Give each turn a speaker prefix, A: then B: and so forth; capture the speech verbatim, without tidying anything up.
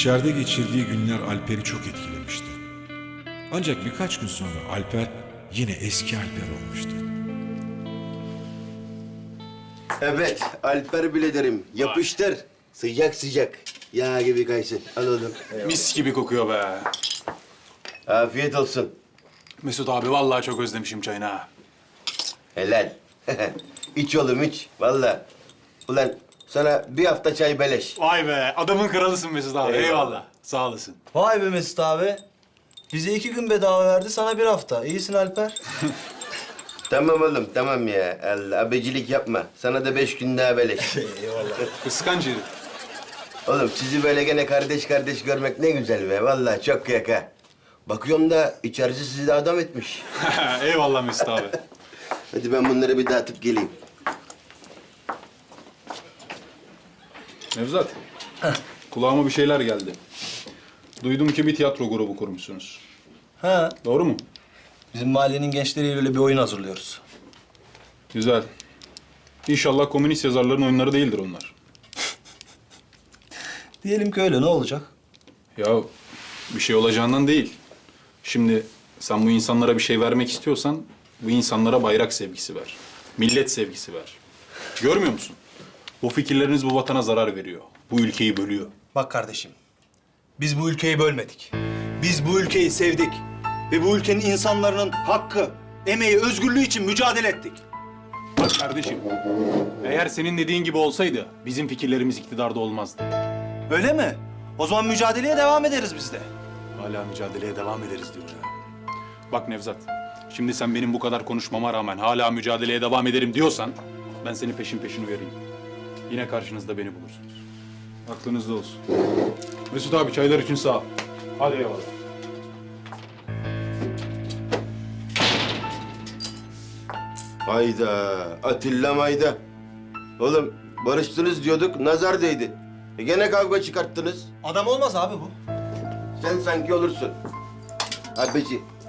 A: İçeride geçirdiği günler Alper'i çok etkilemişti. Ancak birkaç gün sonra Alper yine eski Alper olmuştu.
B: Evet, Alper biraderim. Yapıştır. Sıcak sıcak. Yağ gibi kaysın. Al oğlum.
C: Mis gibi kokuyor be.
B: Afiyet olsun.
C: Mesut abi vallahi çok özlemişim çayını ha.
B: Helal. İç oğlum iç. Vallahi. Ulan sana bir hafta çay beleş.
C: Vay be adamın kralısın Mesut abi.
B: Eyvallah.
C: Eyvallah. Sağ olasın.
D: Vay be Mesut abi. Bize iki gün bedava verdi, sana bir hafta. İyisin Alper.
B: Tamam oğlum tamam ya. Allah abecilik yapma. Sana da beş gün daha beleş.
C: Kıskanç herif.
B: Oğlum sizi böyle gene kardeş kardeş görmek ne güzel be. Vallahi çok kıyak ha. Bakıyorum da içerisi sizi de adam etmiş.
C: Eyvallah Mesut abi.
B: Hadi ben bunları bir dağıtıp geleyim.
E: Nevzat, kulağıma bir şeyler geldi. Duydum ki bir tiyatro grubu kurmuşsunuz.
D: Ha,
E: Doğru mu?
D: bizim mahallenin gençleriyle öyle bir oyun hazırlıyoruz.
E: Güzel. İnşallah komünist yazarların oyunları değildir onlar.
D: Diyelim ki öyle, ne olacak?
E: Ya bir şey olacağından değil. Şimdi sen bu insanlara bir şey vermek istiyorsan bu insanlara bayrak sevgisi ver. Millet sevgisi ver. Görmüyor musun? Bu fikirleriniz bu vatana zarar veriyor. Bu ülkeyi bölüyor.
D: Bak kardeşim, biz bu ülkeyi bölmedik. Biz bu ülkeyi sevdik. Ve bu ülkenin insanların hakkı, emeği, özgürlüğü için mücadele ettik.
E: Bak kardeşim, eğer senin dediğin gibi olsaydı bizim fikirlerimiz iktidarda olmazdı.
D: Öyle mi? O zaman mücadeleye devam ederiz biz de.
E: Hala mücadeleye devam ederiz diyor ya. Bak Nevzat, şimdi sen benim bu kadar konuşmama rağmen hala mücadeleye devam ederim diyorsan ben seni peşin peşin uyarayım. Yine karşınızda beni bulursunuz. Aklınızda olsun. Mesut abi çaylar için sağ ol. Hadi eyvallah.
B: Hayda, Atilla mayda. Oğlum barıştınız diyorduk, nazar değdi. E gene kavga çıkarttınız.
D: Adam olmaz abi bu.
B: Sen sanki olursun. Abici,